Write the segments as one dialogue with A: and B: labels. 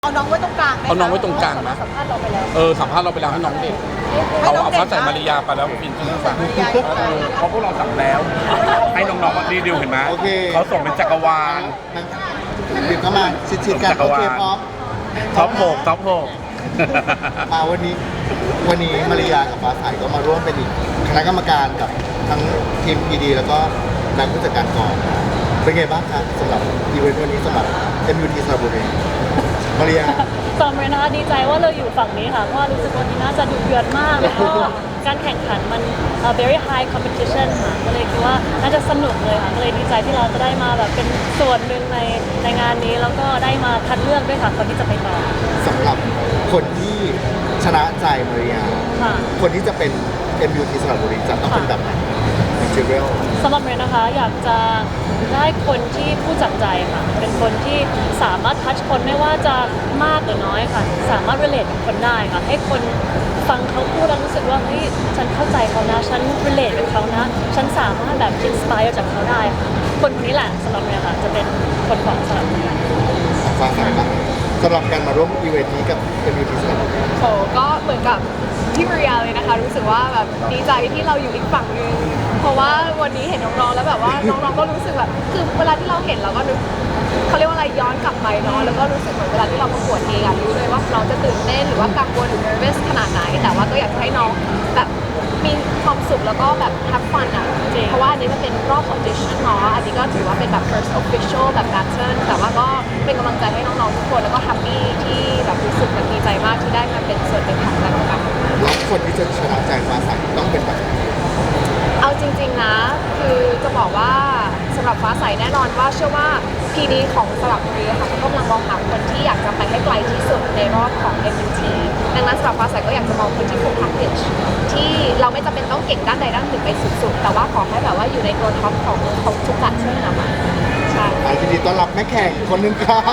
A: เอาน้องไว้ตรงกลางไหม
B: เอาน้องไว้ตรงกลางนะ
A: สัมภาษณ์เราไปแล้ว
B: สัมภาษณ์เราไปแล้วให้น้องเด็กเอาฟ้าใสมาริยาไปแล้วฟินชื่อฟ้า
C: เพราะพวกเราสั่งแล้ว ให้น้องๆรีดิวเห็นไหม
D: โอเค
C: เขาส่งเป็นจักรวาล
D: บิดเข้ามาชิดๆกัน
C: จักร
D: โอ
C: วาล
D: เคพร้อม
C: ท็อปหกท็อปหก
D: มาวันนี้มาริยากับฟ้าใสก็มาร่วมเป็นอีกคณะกรรมการกับทั้งทีม PD แล้วก็นักผู้จัดการกองเป็นไงบ้างครับสำหรับอีเวนต์วันนี้สำหรับ MUT สระบุรีมาริยา
E: สำหรับเรนนะคะดีใจว่าเราอยู่ฝั่งนี้ค่ะเพราะว่ารู้สึกว่าที่น่าจะดุเดือดมากแล้วก็การแข่งขันมัน very high competition ค่ะก็เลยคิดว่าน่าจะสนุกเลยค่ะก็เลยดีใจที่เราจะได้มาแบบเป็นส่วนหนึ่งในงานนี้แล้วก็ได้มาคัดเลือกด้วยค่ะคนที่จะไปต่อ
D: สำหรับคนที่ชนะใจมาริยา
E: ค่ะ
D: คนที่จะเป็น MUT สระบุรีจะต้องเป็นแบบไหนเจเวล
E: สำหรับเรนนะคะอยากจะได้คนที่พูดจากใจค่ะเป็นคนที่สามารถทัชคนไม่ว่าจะมากหรือน้อยค่ะสามารถ relate กับคนได้ค่ะให้คนฟังเขาพูดแล้วรู้สึกว่าเฮ้ยฉันเข้าใจเขานะฉัน relate กับเขานะฉันสามารถแบบ inspire จากเขาได้ค่ะคนคนนี้แหละสำหรับเรนค่ะจะเป็นคนของสำหรับเรน
D: ฟ้าใสบ้างสำหรับการมาร่วมอีเวนต์นี้กับ MUT สระบุรี
F: โหก็เหมือนกับที่มาริยาเลยนะคะรู้สึกว่าแบบดีใจที่เราอยู่อีกฝั่งหนึงเพราะว่าวันนี้เห็นน้องๆแล้วแบบว่าน้องๆก็รู้สึกแบบคือเวลาที่เราเห็นเราก็นึกเขาเรียกว่าอะไรย้อนกลับไปเนาะแล้วก็รู้สึกเหมือนเวลาที่เราประกวดเองอะรู้เลยว่าเราจะตื่นเต้นหรือว่ากังวลหรือ nervous ขนาดไหนแต่ว่าก็อยากจะให้น้องแบบมีความสุขแล้วก็แบบ have fun อะเพราะว่าอันนี้มันเป็นรอบ audition เนาะอันนี้ก็ถือว่าเป็นแบบ first official แบบ battle แต่ว่าก็เป็นกำลังใจให้น้องๆทุกคนแล้วก็ happy ที่แบบรู้สึกแบบดีใจมากที่ได้มาเป็นส่วนหนึ่งของการแข่งขัน
D: แล้วคนที่จะชนะใจฟ้าใสต้องเป็นแบบไหน
F: เอาจริงๆนะ คือจะบอกว่าสำหรับฟ้าใสแน่นอนว่าเชื่อว่า PD ของสระบุรีค่ะเขากำลังมองหาคนที่อยากจะไปให้ไกลที่สุดในรอบของ MUT ดังนั้นสำหรับฟ้าใสก็อยากจะมองคนที่ full package ที่เราไม่จำเป็นต้องเก่งด้านใดด้านหนึ่งไปสุดๆ แต่ว่าขอให้แบบว่าอยู่ในตัวท็อปของทุกการช่วยนะคะใช่
D: ยินดีต้อนรับแม่แขกคนหนึงค่ะ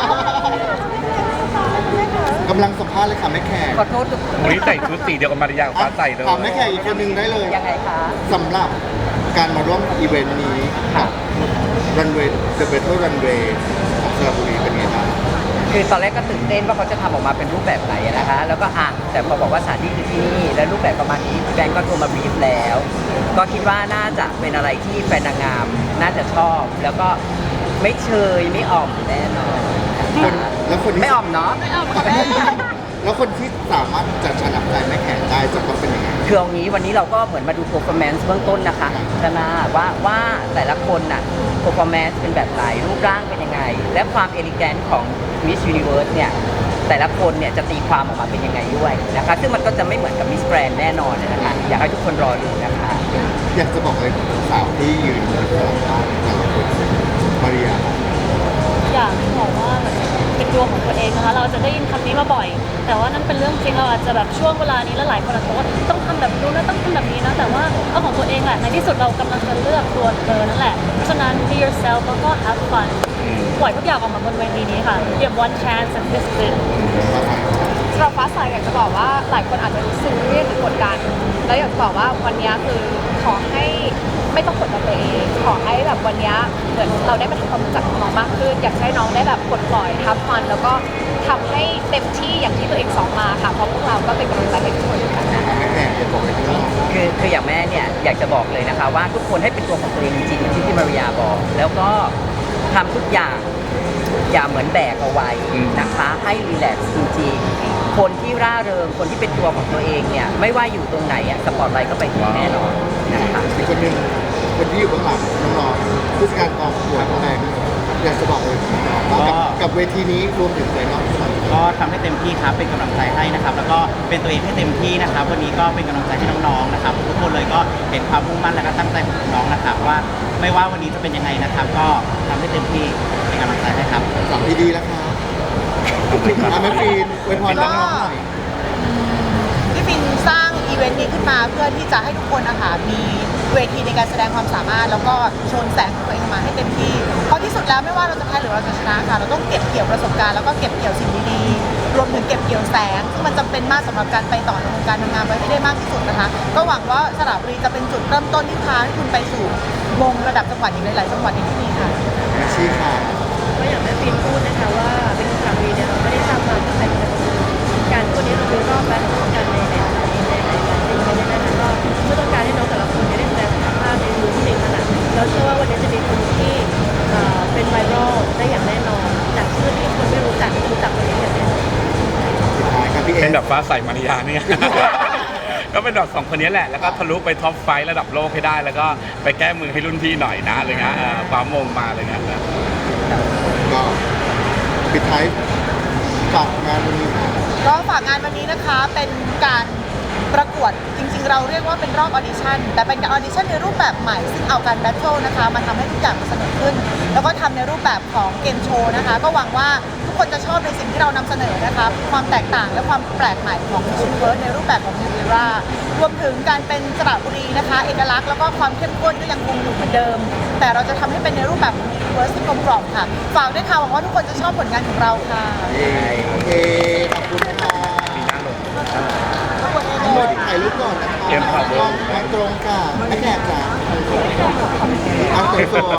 D: กำลังสัมภาษณ์เลยค่ะแม่แขก
E: ขอโทษทุกคน
C: วันนี้ใส่ชุดสีเดียวกับมาริยากับฟ้าใสเลย
D: ถามแม่แขกอีกคนหนึงได้เลย
E: ยังไงคะ
D: สำหรับการมาร่วมอีเวนต์นี้กับรันเวย์ The Battle Runway ของสระบุรีเป็นไงบ้าง
G: คือตอนแรกก็ตื่นเต้นว่าเขาจะทำออกมาเป็นรูปแบบไหนนะคะ แล้วก็แต่พอบอกว่าสถานที่คือที่นี่และรูปแบบประมาณนี้แบงก์ก็โทรมาบรีฟแล้ว ก็คิดว่าน่าจะเป็นอะไรที่แฟนนางงามน่าจะชอบ แล้วก็ไม่เชยไม่อ่อมแน่นอน
D: แล้วคนที่
G: ไม่อ่อมเนาะ
D: แล้วคนที่สามารถจะชนะใจแม่แขกได้จะต้องเป็นยังไง
G: คือเอางี้วันนี้เราก็เหมือนมาดู performance เบื้องต้นนะคะใช่ไหมว่าแต่ละคนน่ะ performance เป็นแบบไหนรูปร่างเป็นยังไง และความ elegant ของ Miss Universe เนี่ยแต่ละคนเนี่ยจะตีความออกมาเป็นยังไงด้วยนะคะซึ่งมันก็จะไม่เหมือนกับ Miss Grand แน่นอนนะคะอยากให้ทุกคนรอดูนะคะ
D: อยากจะบอกเลยสาวที่ยืนอยู่ข้างหลังแต่ละคนมาริยา
E: อยากบอกว่าเป็นตัวของตัวเองนะคะเราจะได้ยินคำนี้มาบ่อย แต่ว่านั่นเป็นเรื่องจริงเราอาจจะแบบช่วงเวลานี้แล้วหลายคนอาจจะบอกว่าต้องทำแบบนู้นนะต้องทำแบบนี้นะแต่ว่าเอาของตัวเองแหละในที่สุดเรากำลังจะเลือกตัวเธอนั่นแหละเพราะฉะนั้น be yourself แล้วก็ have fun ปล่อยทุกอย่างออกมาบนเวทีนี้ค่ะ give one chance and this is it
F: สำหรับฟ้าใสอยากจะบอกว่าหลายคนอาจจะรู้สึกเครียดหรือกดดันแล้วอยากจะบอกว่าวันนี้คือขอให้ไม่ต้องกดดันตัวเองขอให้แบบวันนี้เหมือนเราได้มาทำความรู้จักน้องมากขึ้น อยากให้น้องได้แบบปลดปล่อยทับมันแล้วก็ทำให้เต็มที่อย่างที่ตัวเองสอนมาค่ะเพราะพวกเราก็เป็นกำลังใจให้ทุกคนกันนะ
D: แม่แขกจะบอกอะไรที่น้อง
G: คืออย่างแม่เนี่ยอยากจะบอกเลยนะคะว่าทุกคนให้เป็นตัวของตัวเองจริงๆอย่างที่พี่มาริยาบอก แล้วก็ทำทุกอย่างอย่าเหมือนแบกเอาไว้นะคะให้รีแลกซ์จริงๆคนที่ร่าเริงคนที่เป็นตัวของตัวเองเนี่ยไม่ว่าอยู่ตรงไหนอ่ะสปอตไลท์ก็ไปถึงแน่นอนนะคะ
D: อีกคนหนึ่งคนที่อยู่เบื้องหลังน้องๆผู้จัดการกองประกวดน้องแบงค์อยากจะบอกเลยว่ากับเวทีนี้รวมถึงใจน้อง
H: ก็ทำให้เต็มที่ครับเป็นกำลังใจให้นะครับแล้วก็เป็นตัวเองให้เต็มที่นะครับวันนี้ก็เป็นกำลังใจให้น้องๆนะครับทุกคนเลยก็เห็นความมุ่งมั่นและก็ตั้งใจของน้องนะครับว่าไม่ว่าวันนี้จะเป็นยังไงนะครับ ก็ทำให้เต็มที่เป็นกำลังใจให้ครับ
D: สาวดีๆแล้วค่ะแม่ฟีนอวยพรน้องๆหน่อย
A: พี่ฟินสร้างอีเวนต์นี้ขึ้นมาเพื่อที่จะให้ทุกคนนะคะมีเวทีในการแสดงความสามารถแล้วก็โชว์แสงของตัวเองมาให้เต็มที่เพราะที่สุดแล้วไม่ว่าเราจะแพ้หรือเราจะชนะค่ะเราต้องเก็บเกี่ยวประสบการณ์แล้วก็เก็บเกี่ยวสิ่งดีๆรวมถึงเก็บเกี่ยวแสงซึ่งมันจำเป็นมากสำหรับการไปต่อในวงการทำงานไว้ให้ได้มากที่สุดนะคะก็หวังว่าสระบุรีจะเป็นจุดเริ่มต้นที่พาให้คุณไปสู่วงระดับจังหวัดอีกหลายๆจังหวัดในที่นี้ค่ะ
D: อาชีพค่ะ
E: ก็อย่างแม่ฟินพูดนะคะว่าเป็นครั้งนี้เนี่ยเราไม่ได้ทำมาเพื่อเป็น
B: แบบฟ้าใสมาริยาเนี่ย ก็เป็นแบบสองคนนี้แหละแล้วก็ทะลุไปท็อปไฟว์ระดับโลกให้ได้ แล้วก็ไปแก้มือให้รุ่นพี่หน่อยนะอะไรเงี้ยคว้ามงมาอะไรเงี้ย
D: ก็ปิดท้ายฝากงานวันนี้ค่ะ
A: ก็ฝากงานวันนี้นะคะเป็นการประกวดจริงๆเราเรียกว่าเป็นรอบออดิชั่นแต่เป็นการออดิชั่นในรูปแบบใหม่ซึ่งเอาการแบทเทิลนะคะมาทำให้ทุกอย่างมันสนุกขึ้น แล้วก็ทำในรูปแบบของเกมโชว์นะคะก็หวังว่าทุกคนจะชอบในสิ่งที่เรานำเสนอนะคะความแตกต่างและความแปลกใหม่ของมิส s u น i เวิร์สในรูปแบบของ New Era รวมถึงการเป็นสระบุรีนะคะเอกลักษณ์แล้วก็ความเข้มข้นก็ยังคงอยู่เหมือนเดิม แต่เราจะทำให้เป็นในรูปแบบของ Universe ที่กลมกล่อมค่ะฝากด้วยค่ะหวังว่าทุกคนจะชอบผลงานของเราค่ะ
D: โอเคขอบคุณค่ะ
B: ปีหน้าลง
D: ทั้งหมดถ่ายรูปก่อนนะคะ
B: เตรียมถ่ายรูป
D: มองตรงค่ะไม่แขกค่ะมองตรง